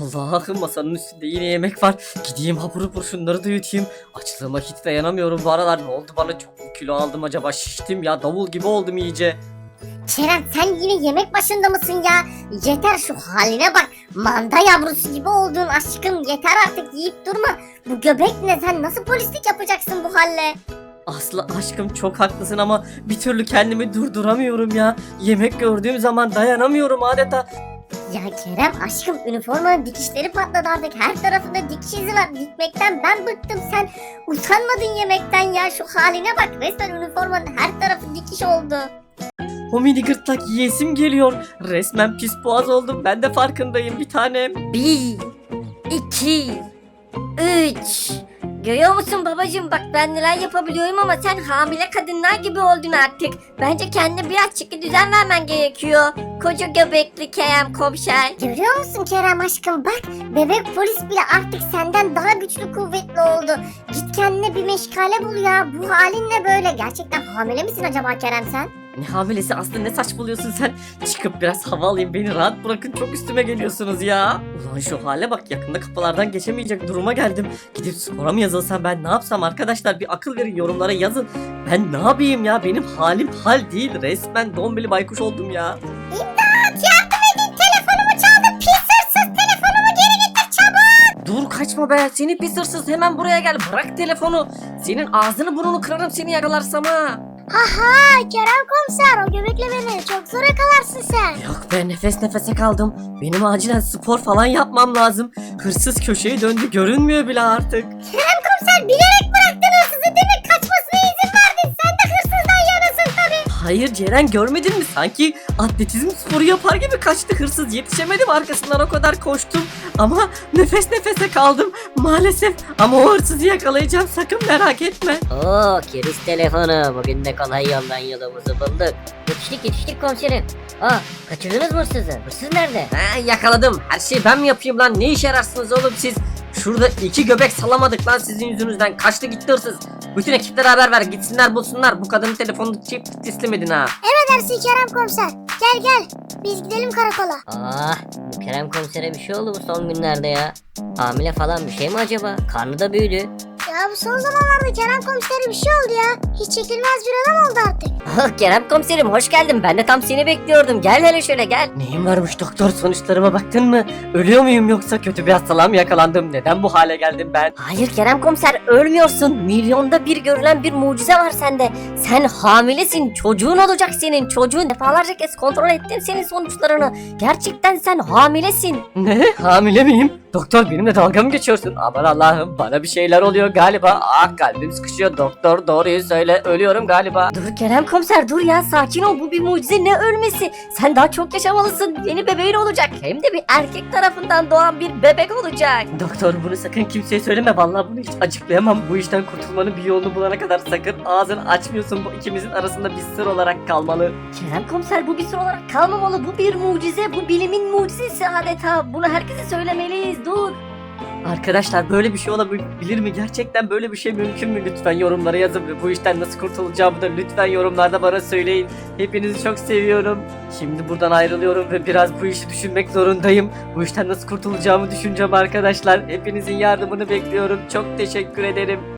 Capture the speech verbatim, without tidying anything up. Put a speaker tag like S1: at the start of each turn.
S1: Allah'ım, masanın üstünde yine yemek var. Gideyim hapur hapur şunları da yutayım. Açlığıma hiç dayanamıyorum bu aralar. Ne oldu bana, çok mu kilo aldım acaba? Şiştim ya, davul gibi oldum iyice.
S2: Kerem, sen yine yemek başında mısın ya? Yeter, şu haline bak. Manda yavrusu gibi oldun aşkım. Yeter artık, yiyip durma. Bu göbek ne? Sen nasıl polislik yapacaksın bu halle?
S1: Aslı aşkım, çok haklısın ama bir türlü kendimi durduramıyorum ya. Yemek gördüğüm zaman dayanamıyorum adeta.
S2: Ya Kerem aşkım, üniformanın dikişleri patladı artık. Her tarafında dikiş izi var. Dikmekten ben bıktım. Sen utanmadın yemekten ya. Şu haline bak. Resmen üniformanın her tarafı dikiş oldu.
S1: O mini gırtlak yiyesim geliyor. Resmen pis boğaz oldum. Ben de farkındayım bir tanem.
S3: Bir, iki, üç. Görüyor musun babacığım, bak ben neler yapabiliyorum ama sen hamile kadınlar gibi oldun artık. Bence kendine biraz çeki düzen vermen gerekiyor. Koca göbekli Kerem komiser.
S2: Görüyor musun Kerem aşkım, bak bebek polis bile artık senden daha güçlü kuvvetli oldu. Git kendine bir meşgale bul ya. Bu halin ne böyle? Gerçekten hamile misin acaba Kerem sen?
S1: Ne hamilesi Aslı, ne saçmalıyorsun sen? Çıkıp biraz hava alayım, beni rahat bırakın, çok üstüme geliyorsunuz ya. Ulan şu hale bak, yakında kapılardan geçemeyecek duruma geldim. Gidip spora mı yazılsam, ben ne yapsam arkadaşlar, bir akıl verin, yorumlara yazın. Ben ne yapayım ya, benim halim hal değil, resmen dombili baykuş oldum ya.
S2: İmdat, yardım edin, telefonumu çaldı, pis hırsız, telefonumu geri getir çabuk.
S1: Dur, kaçma be seni pis hırsız, hemen buraya gel, bırak telefonu. Senin ağzını burnunu kırarım seni yakalarsam ha.
S2: Haha Kerem komiser, o göbekle beni çok zor yakalarsın sen.
S1: Yok be, nefes nefese kaldım. Benim acilen spor falan yapmam lazım. Hırsız köşeyi döndü, görünmüyor bile artık.
S2: Kerem komiser, bilerek bıraktın hırsızı değil mi? Kaçmasına izin verdin. Sen de hırsızdan yanasın tabii.
S1: Hayır Ceren, görmedin mi? Sanki atletizm sporu yapar gibi kaçtı hırsız. Yetişemedim, arkasından o kadar koştum. Ama nefes nefese kaldım maalesef. Ama o hırsızı yakalayacağım, sakın merak etme.
S3: Oo, kiriz telefonu. Bugün de kolay yoldan yolumuzu bulduk. Yetiştik yetiştik komiserim. Aa, kaçırdınız mı hırsızı? Hırsız nerede?
S1: Ha, yakaladım. Her şeyi ben mi yapayım lan? Ne işe yararsınız oğlum siz? Şurada iki göbek salamadık lan sizin yüzünüzden. Kaçtı gitti hırsız. Bütün ekiplere haber ver, gitsinler bulsunlar. Bu kadının telefonunu çift teslim edin ha.
S2: Emredersin Kerem komiser. Gel gel, biz gidelim karakola.
S3: Aa, bu Kerem komisere bir şey oldu bu son günlerde ya. Hamile falan bir şey mi acaba? Karnı da büyüdü.
S2: Ya bu son zamanlarda Kerem komisere bir şey oldu ya. Hiç çekilmez bir adam oldu artık.
S3: Ah, Kerem komiserim hoş geldin. Ben de tam seni bekliyordum. Gel hele şöyle gel.
S1: Neyim varmış doktor, sonuçlarıma baktın mı? Ölüyor muyum yoksa kötü bir hastalığa mı yakalandım? Neden bu hale geldim ben?
S3: Hayır Kerem komiser, ölmüyorsun. Milyonda bir görülen bir mucize var sende. Sen hamilesin. Çocuğun olacak senin. Çocuğun, defalarca kez kontrol ettim senin sonuçlarını. Gerçekten sen hamilesin.
S1: Ne? Hamile miyim? Doktor, benimle dalga mı geçiyorsun? Aman Allah'ım, bana bir şeyler oluyor galiba. Ah, kalbim sıkışıyor doktor, doğruyu söyle, ölüyorum galiba.
S3: Dur Kerem komiser, dur ya, sakin ol. Bu bir mucize, ne ölmesi? Sen daha çok yaşamalısın. Yeni bebeğin olacak. Hem de bir erkek tarafından doğan bir bebek olacak.
S1: Doktor, bunu sakın kimseye söyleme, vallahi bunu hiç açıklayamam. Bu işten kurtulmanın bir yolunu bulana kadar sakın ağzını açmıyorsun. Bu ikimizin arasında bir sır olarak kalmalı.
S3: Kerem komiser, bu bir sır olarak kalmamalı. Bu bir mucize. Bu bilimin mucizesi adeta. Bunu herkese söylemeliyiz. Dur.
S1: Arkadaşlar, böyle bir şey olabilir mi? Gerçekten böyle bir şey mümkün mü? Lütfen yorumlara yazın ve bu işten nasıl kurtulacağımı da lütfen yorumlarda bana söyleyin. Hepinizi çok seviyorum. Şimdi buradan ayrılıyorum ve biraz bu işi düşünmek zorundayım. Bu işten nasıl kurtulacağımı düşüneceğim arkadaşlar. Hepinizin yardımını bekliyorum. Çok teşekkür ederim.